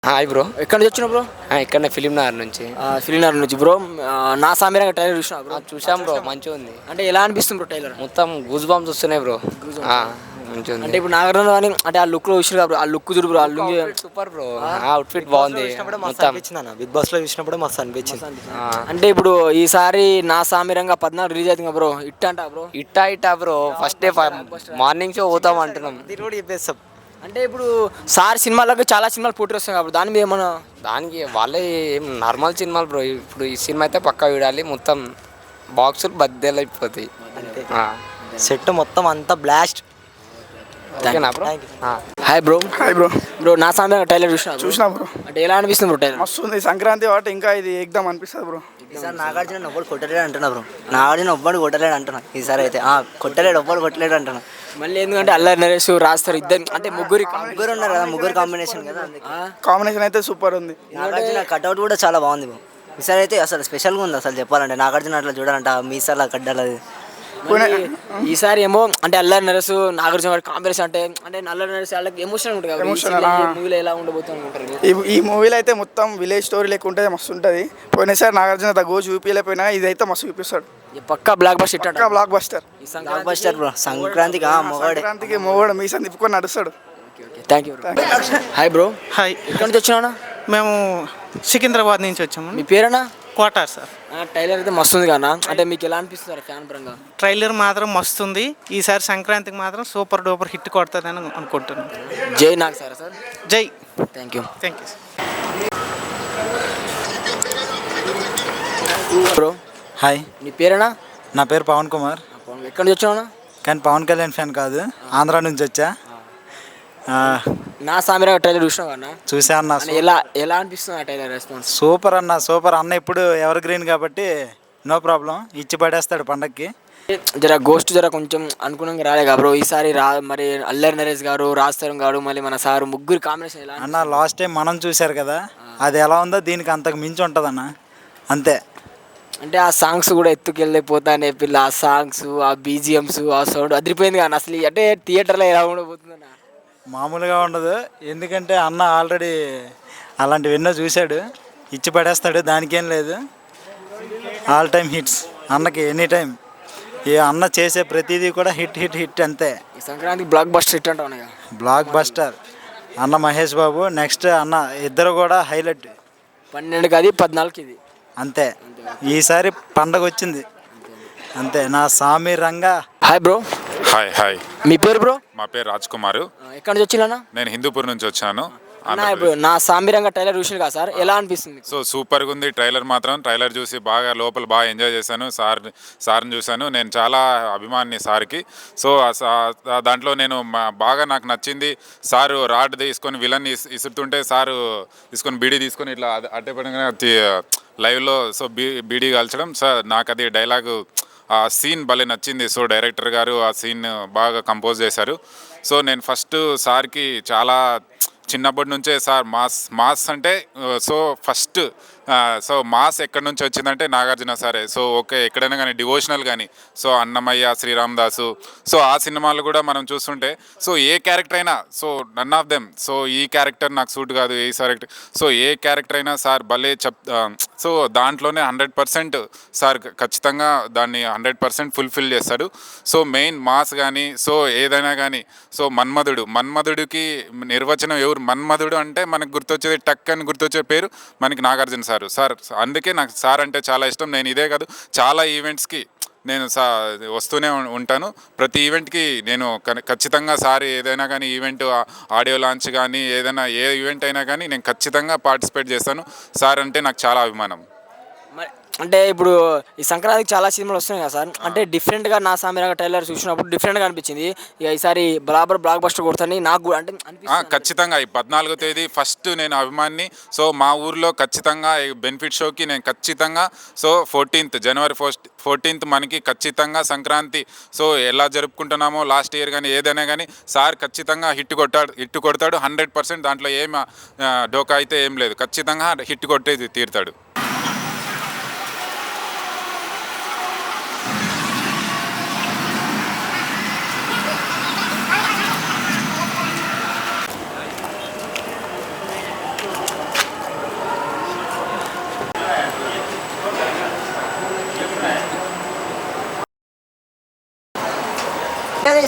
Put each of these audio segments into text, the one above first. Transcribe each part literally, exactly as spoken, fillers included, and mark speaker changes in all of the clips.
Speaker 1: Hi bro.
Speaker 2: ఎక్కడి నుంచి వచ్చినావు బ్రో?
Speaker 1: ఆ, ఇక్కడనే ఫిలిం నగర్ నుంచి.
Speaker 2: ఫిలిం నగర్ నుంచి బ్రో. ఆ, నా సామిరంగా టైలర్ చూసినా బ్రో?
Speaker 1: ఆ, చూసాం బ్రో, మంచిగా ఉంది.
Speaker 2: అంటే ఎలా అనిపిస్తుంది బ్రో టైలర్?
Speaker 1: మొత్తం గూస్ బాంబ్స్ వస్తున్నాయి బ్రో. ఆ, మంచిగా
Speaker 2: అంటే
Speaker 1: ఉంది.
Speaker 2: ఇప్పుడు నాగార్జున కానీ అంటే ఆ లుక్ లో చూసిన బ్రో, ఆ లుక్ చూడు బ్రో, ఆ లుక్
Speaker 1: సూపర్ బ్రో. అవుట్ఫిట్ బాగుంది మొత్తం.
Speaker 3: బిగ్ బాస్ లో చూసినప్పుడు మస్తు అనిపించింది.
Speaker 1: ఆ,
Speaker 2: అంటే ఇప్పుడు ఈసారి నా సామిరంగా పద్నాలుగు రిలీజ్ అవుతుంది బ్రో. ఇట్ అంట బ్రో.
Speaker 1: ఇట్టా ఇట్టా bro. First day morning show పోతాం అంటున్నాం.
Speaker 3: ఇది కూడా చెప్పేస్తాం.
Speaker 2: అంటే ఇప్పుడు సార్ సినిమాలకు చాలా సినిమాలు పోటీ వస్తాయి కాబట్టి దాని మీద ఏమన్నా
Speaker 1: దానికి వాళ్ళే ఏం నార్మల్ సినిమాలు బ్రో. ఇప్పుడు ఈ సినిమా అయితే పక్కా చూడాలి. మొత్తం బాక్సులు బద్దెలు అయిపోతాయి.
Speaker 3: అంతే.
Speaker 1: ఆ,
Speaker 3: సెట్ మొత్తం అంతా బ్లాస్ట్.
Speaker 1: ఓకేనా బ్రో?
Speaker 3: Thank you.
Speaker 1: ఆ.
Speaker 2: Hi bro.
Speaker 4: Hi bro.
Speaker 2: Bro Naa Saamiranga trailer చూసినా bro?
Speaker 4: చూసినా బ్రో,
Speaker 2: అంటే ఎలా అనిపిస్తుంది బ్రో టైలర్?
Speaker 4: మస్తు ఉంది. సంక్రాంతి కాబట్టి ఇంకా ఇది ఎగ్దాం అనిపిస్తుంది బ్రో.
Speaker 3: ఈసారి నాగార్జున ఒవ్వడు కొట్టలేడు అంటున్నా బ్రో. నాగార్జున ఒవ్వడు కొట్టలేడు అంటున్నా ఈసారి అయితే. ఆ, కొట్టలేడు, ఒవ్వడు కొట్టలేడు అంటున్నా.
Speaker 2: మళ్ళీ ఎందుకంటే అల్లరి నరేష్ రాస్తారు ఇద్దరు, అంటే ముగ్గురి
Speaker 3: ముగ్గురు ఉన్నారు కదా, ముగ్గురు కాంబినేషన్ కదా అందుకే.
Speaker 4: కాంబినేషన్ అయితే సూపర్ ఉంది.
Speaker 3: నాగార్జున కట్అవుట్ కూడా చాలా బాగుంది బ్రో. ఈసారి అయితే అసలు స్పెషల్గా ఉంది అసలు చెప్పాలంటే. నాగార్జున అట్లా చూడాలంటే ఆ మీసాల కడ్డాలు అది.
Speaker 2: మళ్ళీ ఈసారి ఏమో అంటే అల్లరి నరేష్ నాగార్జున గారి కాంబినేషన్ అంటే అంటే అల్లరి నరేష్ వాళ్ళకి ఎమోషన్ ఉంటుంది
Speaker 4: Emotional,
Speaker 2: కదా,
Speaker 4: ఆ.
Speaker 2: మూవీలో ఎలా ఉండబోతుంది అనుకుంటారు?
Speaker 4: ఈ ఈ మూవీలో అయితే మొత్తం విలేజ్ స్టోరీ లెక్క ఉంటుంది, మస్తు ఉంటుంది. పోయినసారి నాగార్జున తగ్గ చూపించలేకపోయినా ఇదైతే మస్తు చూపిస్తాడు.
Speaker 2: ఈ పక్కా బ్లాక్ బస్ హిట్
Speaker 4: పక్కా blockbuster.
Speaker 3: Blockbuster bro. సంక్రాంతికి ఆ మొగాడే.
Speaker 4: సంక్రాంతికి మొగోడు మీసం తిప్పుకొని నడుస్తాడు.
Speaker 2: Thank you. Hi bro.
Speaker 5: Hi,
Speaker 2: ఎక్కడి నుంచి వచ్చినా?
Speaker 5: మేము సికింద్రాబాద్ నుంచి వచ్చాము.
Speaker 2: మీ పేరేనా?
Speaker 5: కోటార్ సార్.
Speaker 2: టైలర్ అయితే మస్తు ఉంది కదా, అంటే మీకు ఎలా అనిపిస్తుంది ఫ్యాన్ పరంగా?
Speaker 5: ట్రైలర్ మాత్రం మస్తుంది. ఈసారి సంక్రాంతికి మాత్రం సూపర్ డూపర్ హిట్ కొడుతుందని అనుకుంటున్నాను.
Speaker 2: జై నాగ్ సార్ సార్.
Speaker 5: జై.
Speaker 2: Thank you.
Speaker 5: Thank you.
Speaker 2: Bro
Speaker 6: hi,
Speaker 2: నీ పేరేనా?
Speaker 6: నా పేరు పవన్ కుమార్.
Speaker 2: ఎక్కడి నుంచి వచ్చినా?
Speaker 6: కానీ పవన్ కళ్యాణ్ ఫ్యాన్ కాదు, ఆంధ్ర నుంచి వచ్చా. ఆ,
Speaker 2: నా సామిరా టైలర్ చూసినా కదా,
Speaker 6: చూసా అన్న.
Speaker 2: అంటే ఎలా ఎలా అనిపిస్తుంది ఆ టైలర్ రెస్పాన్స్?
Speaker 6: సూపర్ అన్న, సూపర్ అన్న. ఇప్పుడు ఎవర్ గ్రీన్ కాబట్టి నో ప్రాబ్లం, ఇచ్చి పడేస్తాడు పండక్కి.
Speaker 2: జర గోస్ట్ జర కొంచెం అనుకున్నాక రాలే కదా బ్రో ఈసారి రా. మరి అల్లరి నరేష్ గారు, రాజ్ తరుణ్ గారు, మళ్ళీ మన సారు ముగ్గురు కాంబినేషన్ ఎలా?
Speaker 6: అన్న లాస్ట్ టైం మనం చూశారు కదా, అది ఎలా ఉందో దీనికి అంతకు మించి ఉంటుంది అన్న. అంతే.
Speaker 2: అంటే ఆ సాంగ్స్ కూడా ఎత్తుకెళ్ళిపోతానే పిల్ల, ఆ సాంగ్స్, ఆ బీజిఎమ్స్, ఆ సౌండ్ అదిరిపోయింది కానీ అసలు అంటే థియేటర్లో ఎలా ఉండబోతుందన్న?
Speaker 6: మామూలుగా ఉండదు. ఎందుకంటే అన్న ఆల్రెడీ అలాంటివి ఎన్నో చూశాడు, ఇచ్చి పడేస్తాడు, దానికేం లేదు. ఆల్ టైమ్ హిట్స్ అన్నకి, ఎనీ టైం. ఏ అన్న చేసే ప్రతిదీ కూడా హిట్ హిట్ హిట్ అంతే.
Speaker 2: ఈ సంక్రాంతికి బ్లాక్ బస్టర్ హిట్ అంటావు కదా.
Speaker 6: బ్లాక్ బస్టర్ అన్న మహేష్ బాబు. నెక్స్ట్ అన్న ఇద్దరు కూడా హైలైట్.
Speaker 2: పన్నెండుకి అది, పద్నాలుగుకి ఇది.
Speaker 6: అంతే. ఈసారి పండగ వచ్చింది అంతే. Naa Saami Ranga.
Speaker 2: Hi bro.
Speaker 7: Hi hi
Speaker 2: మీ పేరు బ్రో?
Speaker 7: మా పేరు రాజ్ కుమార్.
Speaker 2: ఎక్కడి నుంచి వచ్చినా?
Speaker 7: నేను హిందూపూర్ నుంచి వచ్చాను.
Speaker 2: అన్న ఇప్పుడు నా సామిరంగా టైలర్ చూసిన కదా సార్, ఎలా అనిపిస్తుంది?
Speaker 7: సో సూపర్గా ఉంది ట్రైలర్ మాత్రం. ట్రైలర్ చూసి బాగా లోపల బాగా ఎంజాయ్ చేశాను. సార్ సార్ని చూశాను. నేను చాలా అభిమాని సార్కి. సో దాంట్లో నేను బాగా నాకు నచ్చింది, సారు రాడ్ తీసుకొని విలన్ ఇసురుతుంటే సారు తీసుకొని బీడీ తీసుకొని ఇట్లా అట్టే పడంగా లైవ్లో సో బీ బీడీ కాల్చడం. సార్ నాకు అది డైలాగు ఆ సీన్ భలే నచ్చింది. సో డైరెక్టర్ గారు ఆ సీన్ బాగా కంపోజ్ చేశారు. సో నేను ఫస్ట్ సార్కి చాలా చిన్నప్పటి నుంచే సార్ మాస్ మాస్ అంటే సో ఫస్ట్ సో మాస్ ఎక్కడి నుంచి వచ్చిందంటే నాగార్జున సారే. సో ఓకే, ఎక్కడైనా కానీ డివోషనల్ కానీ సో అన్నమయ్య, శ్రీరామ్ దాసు, సో ఆ సినిమాలు కూడా మనం చూస్తుంటే సో ఏ క్యారెక్టర్ అయినా so none of them so ఈ క్యారెక్టర్ నాకు సూట్ కాదు, ఈ క్యారెక్టర్ సో ఏ క్యారెక్టర్ అయినా సార్ భలే చెప్ సో దాంట్లోనే హండ్రెడ్ పర్సెంట్ సార్ ఖచ్చితంగా దాన్ని హండ్రెడ్ పర్సెంట్ ఫుల్ఫిల్ చేస్తాడు. సో మెయిన్ మాస్ కానీ సో ఏదైనా కానీ సో మన్మధుడు మన్మధుడికి నిర్వచనం ఎవరు? మన్మధుడు అంటే మనకు గుర్తొచ్చేది టక్ అని గుర్తొచ్చే పేరు మనకి నాగార్జున సార్. సార్ అందుకే నాకు సార్ అంటే చాలా ఇష్టం. నేను ఇదే కాదు చాలా ఈవెంట్స్కి నేను సా వస్తూనే ఉంటాను. ప్రతి ఈవెంట్కి నేను ఖచ్చితంగా సార్ ఏదైనా కానీ ఈవెంట్ ఆడియో లాంచ్ కానీ ఏదైనా ఏ ఈవెంట్ అయినా కానీ నేను ఖచ్చితంగా పార్టిసిపేట్ చేస్తాను. సార్ అంటే నాకు చాలా అభిమానం.
Speaker 2: అంటే ఇప్పుడు ఈ సంక్రాంతికి చాలా సినిమాలు వస్తున్నాయి కదా సార్, అంటే డిఫరెంట్గా నా సామిరంగా టైలర్ చూసినప్పుడు డిఫరెంట్గా అనిపించింది. ఇక ఈసారి బరాబర్ బ్లాక్ బస్టర్ కొడుతుంది నాకు కూడా అంటే
Speaker 7: ఖచ్చితంగా. ఈ పద్నాలుగో తేదీ ఫస్ట్ నేను అభిమాని. సో మా ఊర్లో ఖచ్చితంగా బెనిఫిట్ షోకి నేను ఖచ్చితంగా సో ఫోర్టీన్త్ జనవరి ఫస్ట్ ఫోర్టీన్త్ మనకి ఖచ్చితంగా సంక్రాంతి సో ఎలా జరుపుకుంటున్నామో లాస్ట్ ఇయర్ కానీ ఏదైనా కానీ సార్ ఖచ్చితంగా హిట్ కొట్టాడు హిట్ కొడతాడు హండ్రెడ్ పర్సెంట్. దాంట్లో ఏం డోకా అయితే ఏం లేదు, ఖచ్చితంగా హిట్ కొట్టేది తీరుతాడు.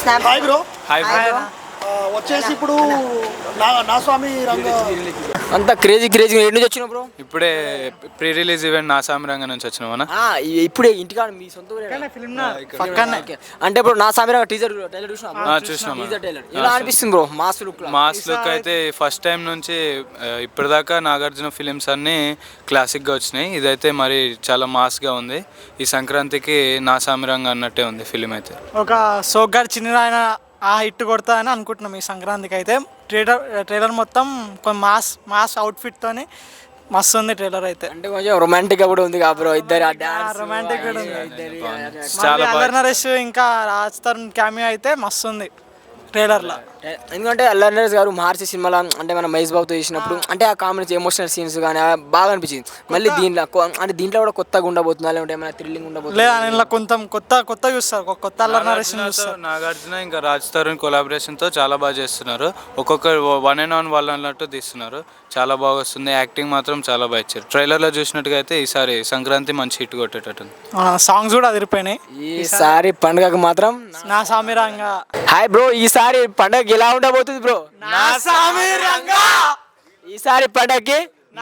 Speaker 8: హాయ్ బ్రో
Speaker 5: హాయ్
Speaker 8: వచ్చేసి ఇప్పుడు నా నా స్వామి రంగ
Speaker 2: అంత క్రేజీ క్రేజీ ఎటు నుంచి వచ్చినావు బ్రో?
Speaker 9: ఇప్పుడే ప్రీ రిలీజ్ ఈవెంట్ నాసామి రంగం నుంచి వచ్చినామన్నా.
Speaker 2: ఆ, ఇ- ఇప్పుడే ఇంటికాడ మీ సొంత ఊరేనా?
Speaker 5: పక్కనే
Speaker 2: ఓకే. అంటే ఇప్పుడు నా సామిరంగా టీజర్ టైలర్ చూసినా
Speaker 9: ఆ, చూసినాం.
Speaker 2: టీజర్ టైలర్ ఎలా అనిపిస్తుంది bro? Mass look
Speaker 9: mass look అయితే ఫస్ట్ టైం నుంచి ఆ, ఇప్పటిదాకా నాగార్జున ఫిలిమ్స్ అన్నీ క్లాసిక్గా వచ్చినాయి. ఇదైతే మరి చాలా మాస్గా ఉంది. ఈ సంక్రాంతికి నాసామి రంగం అన్నట్టే ఉంది ఫిలిం అయితే.
Speaker 5: ఒక సోగ్గాడు చిన్న ఆయన ఆ హిట్ కొడతా అని అనుకుంటున్నాం ఈ సంక్రాంతికి అయితే. ట్రైలర్ ట్రైలర్ మొత్తం కొంచెం మాస్ మాస్ అవుట్ఫిట్తోని మస్తు ఉంది ట్రైలర్ అయితే.
Speaker 2: అంటే కొంచెం రొమాంటిక్ గా కూడా ఉంది కా బ్రో, ఇద్దరు
Speaker 5: రొమాంటిక్ కూడా ఉంది.
Speaker 9: చాలా బాగా
Speaker 5: అల్లరి నరేష్ ఇంకా రాజ్ తరుణ్ క్యామియో అయితే మస్తు ఉంది ట్రైలర్లో.
Speaker 2: ఎందుకంటే అల్లరి నరేష్ గారు మహర్షి సినిమాలో అంటే మన మహేష్ బాబుతో చేసినప్పుడు అంటే ఆ కాంబినేషన్ ఎమోషనల్ సీన్స్ కానీ బాగా అనిపించింది. మళ్ళీ దీంట్లో కొ- అంటే దీంట్లో కూడా కొత్తగా ఉండబోతుందా లేదంటే ఏమైనా థ్రిల్లింగ్ ఉండబోతుందా?
Speaker 5: లేదా ఇలా కొంచెం కొత్త కొత్త చూస్తారు, ఒక కొత్త అల్లరి నరేష్ చూస్తారు.
Speaker 9: నాగార్జున ఇంకా రాజ్ తరుణ్ కొలాబరేషన్తో చాలా బాగా చేస్తున్నారు. ఒక్కొక్క వన్ అండ్ వన్ వాళ్ళు అన్నట్టు తీస్తున్నారు. చాలా బాగా వస్తుంది. యాక్టింగ్ మాత్రం చాలా బాగా ఇచ్చారు. ట్రైలర్లో చూసినట్టుగా అయితే ఈసారి సంక్రాంతి మంచి హిట్ కొట్టేటట్టుంది.
Speaker 5: సాంగ్స్ కూడా అదిరిపోయినాయి.
Speaker 2: ఈసారి పండుగకు మాత్రం
Speaker 5: నా సామిరంగా
Speaker 2: హాయ్ బ్రో, ఈసారి పండుగ ఎలా ఉండబోతుంది బ్రో?
Speaker 5: నా సామిరంగా
Speaker 2: ఈసారి పండగకి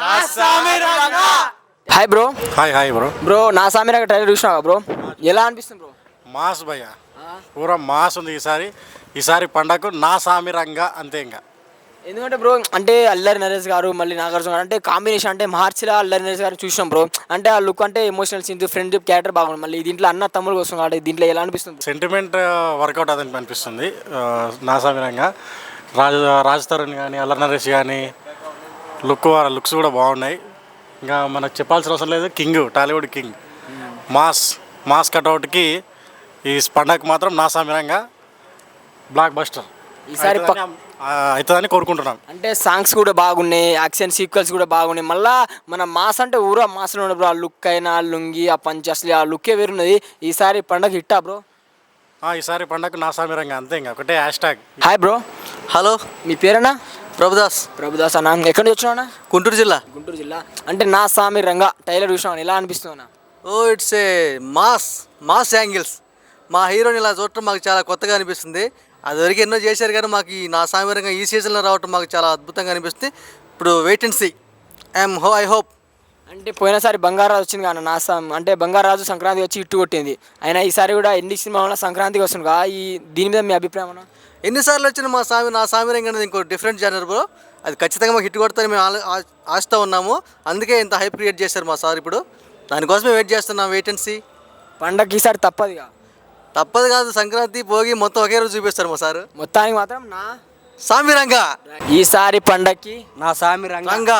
Speaker 2: hi bro.
Speaker 10: Hi hi bro
Speaker 2: bro Naa Saamiranga trailer చూసినావా బ్రో? ఎలా అనిపిస్తుంది బ్రో?
Speaker 10: మాస్ భయ్య పూరా మాస్ ఉంది ఈసారి. ఈసారి పండగకు నా సామి రంగా అంతే. ఇంకా
Speaker 2: ఎందుకంటే బ్రో అంటే అల్లరి నరేష్ గారు మళ్ళీ నాగార్జున గారు అంటే కాంబినేషన్ అంటే మహర్షిలా అల్లరి నరేష్ గారు చూసినాం బ్రో. అంటే ఆ లుక్ అంటే ఎమోషనల్ సీన్స్ ఫ్రెండ్షిప్ క్యారెక్టర్ బాగుంది. మళ్ళీ దీంట్లో అన్న తమ్ముడు కోసం కాబట్టి దీంట్లో ఎలా అనిపిస్తుంది?
Speaker 10: సెంటిమెంట్ వర్కౌట్ అదని అనిపిస్తుంది. ఆ, నా సామి రంగా రాజ్ రాజ్ తరుణ్ కానీ అల్లరి నరేష్ కానీ లుక్ లుక్స్ కూడా బాగున్నాయి. ఇంకా మనకు చెప్పాల్సిన అవసరం లేదు. King Tollywood king mass mass కట్అవుట్కి ఈ పండగకు మాత్రం నా సామి రంగా బ్లాక్ బస్టర్
Speaker 2: ఈసారి పక్-
Speaker 10: అవుతుందని కోరుకుంటున్నాం.
Speaker 2: అంటే సాంగ్స్ కూడా బాగున్నాయి, యాక్షన్ సీక్వెల్స్ కూడా బాగున్నాయి. మళ్ళీ మన మాస్ అంటే ఊరా మాస్లో ఉండే బ్రో. ఆ లుక్ అయినా ఆ లుంగి ఆ పంచ్ అసలు ఆ లుక్కే వేరున్నది. ఈసారి పండగ హిట్టా బ్రో?
Speaker 10: ఆ, ఈసారి పండగకు నా సామి రంగా అంతే. ఇంకా ఒకటే hash tag.
Speaker 2: Hi bro.
Speaker 3: Hello,
Speaker 2: మీ పేరేనా?
Speaker 3: ప్రభుదాస్,
Speaker 2: ప్రభుదాస్ అన్న. ఎక్కడి నుంచి వచ్చినావునా?
Speaker 3: గుంటూరు జిల్లా.
Speaker 2: గుంటూరు జిల్లా. అంటే నా సామి రంగా టైలర్ చూసినావు, ఎలా అనిపిస్తున్నావునా?
Speaker 3: Oh it's a mass mass angles. మా హీరోని ఇలా చూడటం మాకు చాలా కొత్తగా అనిపిస్తుంది. అదివరకు ఎన్నో చేశారు కానీ మాకు ఈ నా సామిరంగా ఈ సీజన్లో రావటం మాకు చాలా అద్భుతంగా అనిపిస్తుంది. ఇప్పుడు వెయిట్ అండ్ సీ. ఐఎమ్ హో ఐ హోప్.
Speaker 2: అంటే పోయినసారి బంగారాజు వచ్చింది కానీ నా సామ్ అంటే బంగారాజు సంక్రాంతి వచ్చి ఇట్టు కొట్టింది. అయినా ఈసారి కూడా ఎన్ని సినిమా సంక్రాంతికి వస్తుంది కదా, ఈ దీని మీద మీ అభిప్రాయం?
Speaker 3: ఎన్నిసార్లు వచ్చిన మా సామి నా సామిరంగా అనేది ఇంకో డిఫరెంట్ జానర్ బ్రో. అది ఖచ్చితంగా మాకు హిట్ కొడతారని మేము ఆలో- ఆ- ఆశతో ఉన్నాము. అందుకే ఇంత హైప్ క్రియేట్ చేశారు మా సార్. ఇప్పుడు దానికోసమే వెయిట్ చేస్తున్నాం. Wait and see.
Speaker 2: పండగకి ఈసారి తప్పదు ఇక.
Speaker 3: తప్పదు కాదు, సంక్రాంతి భోగి మొత్తం ఒకే రోజు చూపిస్తారు మా సార్.
Speaker 2: మొత్తానికి మాత్రం నా
Speaker 3: సామిరంగా
Speaker 2: ఈసారి పండగకి
Speaker 3: నా సామి రంగా.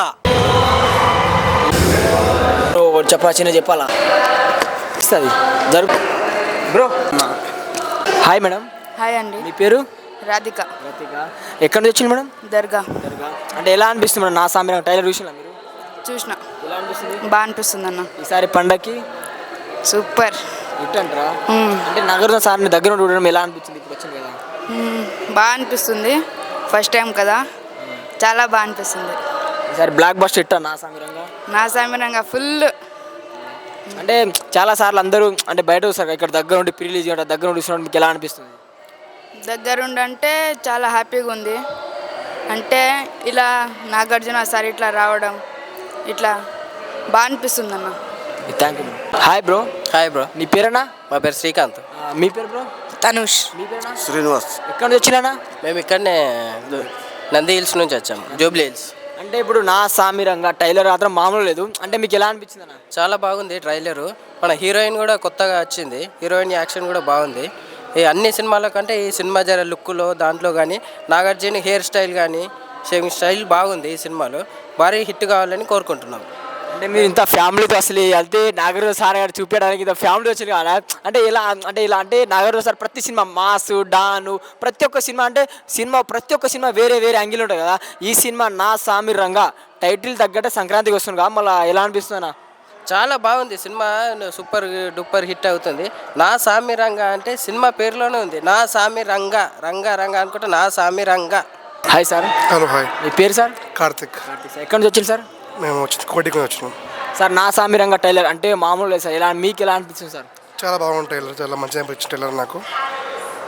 Speaker 2: బ్రో చెప్పా చిన్న చెప్పాలా ఇస్తుంది జరుపు బ్రో. Hi madam.
Speaker 11: హాయ్ అండి,
Speaker 2: మీ పేరు?
Speaker 11: రాధిక.
Speaker 2: రతిక. ఎక్కడి నుంచి వచ్చింది మేడం?
Speaker 11: దర్గా
Speaker 2: దర్గా. అంటే ఎలా అనిపిస్తుంది మేడం నా సామి రంగా టైలర్ చూసినా మీరు?
Speaker 11: చూసిన,
Speaker 2: ఎలా అనిపిస్తుంది
Speaker 11: బాగా అనిపిస్తుంది అన్న.
Speaker 2: ఈసారి పండగకి?
Speaker 11: సూపర్.
Speaker 2: ఇట్ అంటారా?
Speaker 11: మ్మ్.
Speaker 2: అంటే నగరం సార్ని దగ్గర నుండి చూడడం ఎలా అనిపించింది? ఇప్పుడు వచ్చింది కదా.
Speaker 11: మ్మ్. బాగా అనిపిస్తుంది. ఫస్ట్ టైం కదా, చాలా బాగా అనిపిస్తుంది.
Speaker 2: ఈసారి బ్లాక్ బస్టర్ ఇట్టా నా సామి రంగా?
Speaker 11: నా సామిరంగా ఫుల్.
Speaker 2: అంటే చాలా సార్లు అందరూ అంటే బయట వస్తారు, ఇక్కడ దగ్గర ఉండి ప్రీ రిలీజ్ చేయడం దగ్గర ఉండి చూసినప్పుడు మీకు ఎలా అనిపిస్తుంది?
Speaker 11: దగ్గరుండి అంటే చాలా హ్యాపీగా ఉంది. అంటే ఇలా నాగార్జున సార్ ఇట్లా రావడం ఇట్లా బాగా అనిపిస్తుంది అన్న.
Speaker 2: Thank you. Hi bro.
Speaker 3: Hi bro.
Speaker 2: నీ పేరేనా?
Speaker 3: మా పేరు శ్రీకాంత్.
Speaker 2: ఆ, మీ పేరు బ్రో?
Speaker 11: తనుష్.
Speaker 2: మీ పేరేనా?
Speaker 3: శ్రీనివాస్.
Speaker 2: ఎక్కడి నుంచి వచ్చినా?
Speaker 3: మేము ఇక్కడనే నంది హిల్స్ నుంచి వచ్చాము, జూబ్లీ హిల్స్.
Speaker 2: అంటే ఇప్పుడు నా సామి రంగా టైలర్ మాత్రం మామూలు లేదు. అంటే మీకు ఎలా అనిపించింది అన్న?
Speaker 3: చాలా బాగుంది ట్రైలరు. మన హీరోయిన్ కూడా కొత్తగా వచ్చింది. హీరోయిన్ యాక్షన్ కూడా బాగుంది. ఈ అన్ని సినిమాల కంటే ఈ సినిమా జర లుక్లో దాంట్లో కానీ నాగార్జున హెయిర్ స్టైల్ కానీ షేవింగ్ స్టైల్ బాగుంది. ఈ సినిమాలో భారీ హిట్ కావాలని కోరుకుంటున్నాం.
Speaker 2: అంటే మీరు ఇంత ఫ్యామిలీతో అసలు వెళ్తే నాగార్జున సార్ గారు చూపించడానికి ఇంత ఫ్యామిలీ వచ్చింది కదా. అంటే ఇలా అంటే ఇలా అంటే నాగార్జున సార్ ప్రతి సినిమా మాసు డాను ప్రతి ఒక్క సినిమా అంటే సినిమా ప్రతి ఒక్క సినిమా వేరే వేరే యాంగిల్ ఉంటుంది కదా. ఈ సినిమా నా సామి రంగా టైటిల్ తగ్గట్టే సంక్రాంతికి వస్తుంది కదా, మళ్ళీ ఎలా అనిపిస్తుందన్నా?
Speaker 3: చాలా బాగుంది సినిమా. సూపర్ డూపర్ హిట్ అవుతుంది. నా సామి రంగా అంటే సినిమా పేరులోనే ఉంది. నా సామి రంగా రంగా రంగా అనుకుంటే Naa Saami Ranga.
Speaker 2: Hi sir.
Speaker 12: Hello hi.
Speaker 2: మీ పేరు సార్?
Speaker 12: కార్తిక్.
Speaker 2: కార్తిక్ సార్. ఎక్కడి నుంచి వచ్చింది సార్?
Speaker 12: మేము వచ్చి కోటికి వచ్చినాం
Speaker 2: సార్. నా సామి రంగా టైలర్ అంటే మామూలు లేదు సార్. ఎలా మీకు ఎలా అనిపిస్తుంది సార్?
Speaker 12: చాలా బాగుంది టైలర్, చాలా మంచిగా అనిపించింది టైలర్ నాకు.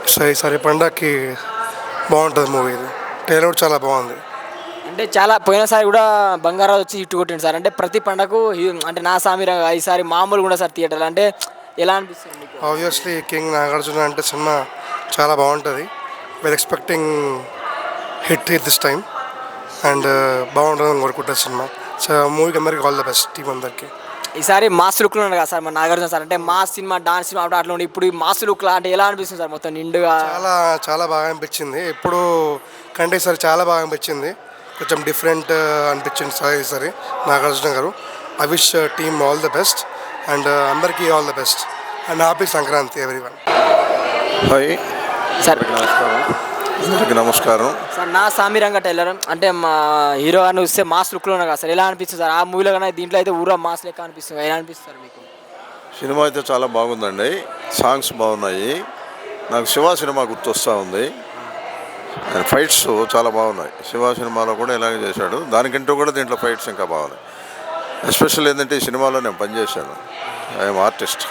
Speaker 8: సరే ఈసారి పండగకి బాగుంటుంది మూవీ ఇది. ట్రైలర్ కూడా చాలా బాగుంది.
Speaker 2: అంటే చాలా పోయినసారి కూడా బంగారాజు వచ్చి హిట్ కొట్టింది సార్. అంటే ప్రతి పండగకు హీ- అంటే నా సామిరంగా ఈసారి మామూలు కూడా సార్ థియేటర్లు అంటే ఎలా అనిపిస్తుంది మీకు?
Speaker 8: ఆబ్వియస్లీ కింగ్ నాగార్జున అంటే సినిమా చాలా బాగుంటుంది. We're expecting hit hit this time and బాగుంటుందని కోరుకుంటుంది సినిమా. సో మూవీకి అందరికి ఆల్ ద బెస్ట్ టీం అందరికీ.
Speaker 2: ఈసారి మాస్ లుక్లో ఉన్నాడు కదా సార్ మన నాగార్జున సార్. అంటే మాస్ సినిమా డాన్స్ సినిమా అట్లా అట్లా ఉండి ఇప్పుడు ఈ మాస్ లుక్లా అంటే ఎలా అనిపిస్తుంది సార్ మొత్తం నిండుగా?
Speaker 8: చాలా చాలా బాగా అనిపించింది. ఎప్పుడు కంటే ఈసారి చాలా బాగా అనిపించింది. కొంచెం డిఫరెంట్ అనిపించింది సార్ ఈసారి నాగార్జున గారు. I wish team all the best and అందరికీ all the best and happy Sankranti everyone.
Speaker 12: Hi
Speaker 2: sir
Speaker 12: నమస్కారం. అందరికీ నమస్కారం.
Speaker 2: సార్ నా సామిరంగా టైలర్ అంటే మా హీరో గారిని చూస్తే మాస్ లుక్లో ఉన్నారు కదా సార్, ఎలా అనిపిస్తుంది సార్? ఆ మూవీలో కానీ దీంట్లో అయితే ఊరా మాస్ లెక్క అనిపిస్తుంది, ఎలా అనిపిస్తుంది మీకు?
Speaker 12: సినిమా అయితే చాలా బాగుందండి. సాంగ్స్ బాగున్నాయి. నాకు శివ సినిమా గుర్తొస్తూ ఉంది. అండ్ ఫైట్స్ చాలా బాగున్నాయి. శివ సినిమాలో కూడా ఇలాగే చేశాడు. దానికంటూ కూడా దీంట్లో ఫైట్స్ ఇంకా బాగున్నాయి. ఎస్పెషల్ ఏంటంటే ఈ సినిమాలో నేను పనిచేశాను. I'm artist.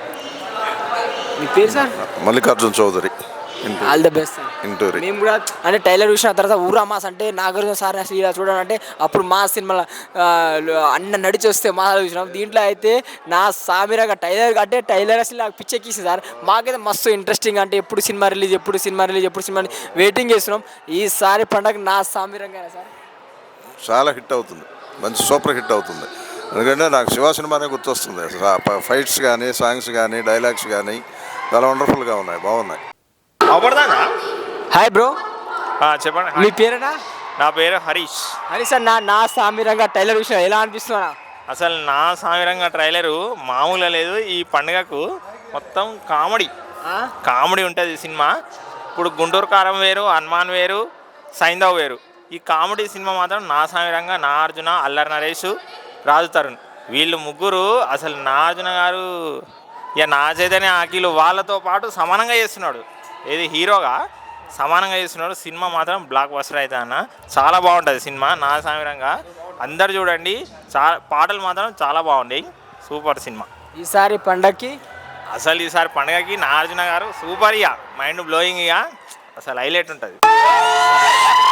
Speaker 2: మీ పేరు sir?
Speaker 12: Mallikarjun Chaudhary.
Speaker 2: All the best sir.
Speaker 12: Inturi.
Speaker 2: మేము కూడా అంటే టైలర్ చూసిన తర్వాత ఊరా మాస్ అంటే నాగార్జున సార్ అసలు ఇలా చూడాలంటే అప్పుడు మా సినిమాలో అన్న నడిచి వస్తే మా చూసినాం. దీంట్లో అయితే నా సామిరంగా టైలర్ అంటే టైలర్ అసలు నాకు పిచ్చెక్కిస్తుంది సార్. మాకైతే మస్తు ఇంట్రెస్టింగ్ అంటే ఎప్పుడు సినిమా రిలీజ్ ఎప్పుడు సినిమా రిలీజ్ ఎప్పుడు సినిమా వెయిటింగ్ చేస్తున్నాం. ఈసారి పండగ నా సామిరంగా సార్
Speaker 12: చాలా హిట్ అవుతుంది. మంచి సూపర్ హిట్ అవుతుంది. ఎందుకంటే నాకు శివ సినిమానే గుర్తొస్తుంది. ఫైట్స్ కానీ సాంగ్స్ కానీ డైలాగ్స్ కానీ చాలా వండర్ఫుల్గా ఉన్నాయి, బాగున్నాయి.
Speaker 2: హాయ్ బ్రో,
Speaker 13: చెప్పండి.
Speaker 2: మీ పేరేనా?
Speaker 13: నా పేరు హరీష్.
Speaker 2: హరీష్ సార్, నా నా సామిరంగా టైలర్ విషయం ఎలా అనిపిస్తున్నా?
Speaker 13: అసలు నా సామిరంగా ట్రైలరు మామూలుగా లేదు. ఈ పండుగకు మొత్తం కామెడీ కామెడీ ఉంటుంది సినిమా. ఇప్పుడు గుంటూరు కారం వేరు, హనుమాన్ వేరు, సైంధవ్ వేరు. ఈ కామెడీ సినిమా మాత్రం నా సామిరంగా నాగార్జున, అల్లరి నరేష్, రాజు తరుణ్ వీళ్ళు ముగ్గురు అసలు నాగార్జున గారు ఇక నా చైతన్య అఖిలు వాళ్ళతో పాటు సమానంగా చేస్తున్నాడు. ఏది హీరోగా సమానంగా చేస్తున్నాడు. సినిమా మాత్రం బ్లాక్ బస్టర్ అయితే అన్న చాలా బాగుంటుంది సినిమా. నా సామిరంగా అందరు చూడండి. చాలా పాటలు మాత్రం చాలా బాగుంటాయి. సూపర్ సినిమా.
Speaker 2: ఈసారి పండగకి
Speaker 13: అసలు ఈసారి పండగకి నాగార్జున గారు సూపర్ ఇక మైండ్ బ్లోయింగ్ ఇక అసలు హైలైట్ ఉంటుంది.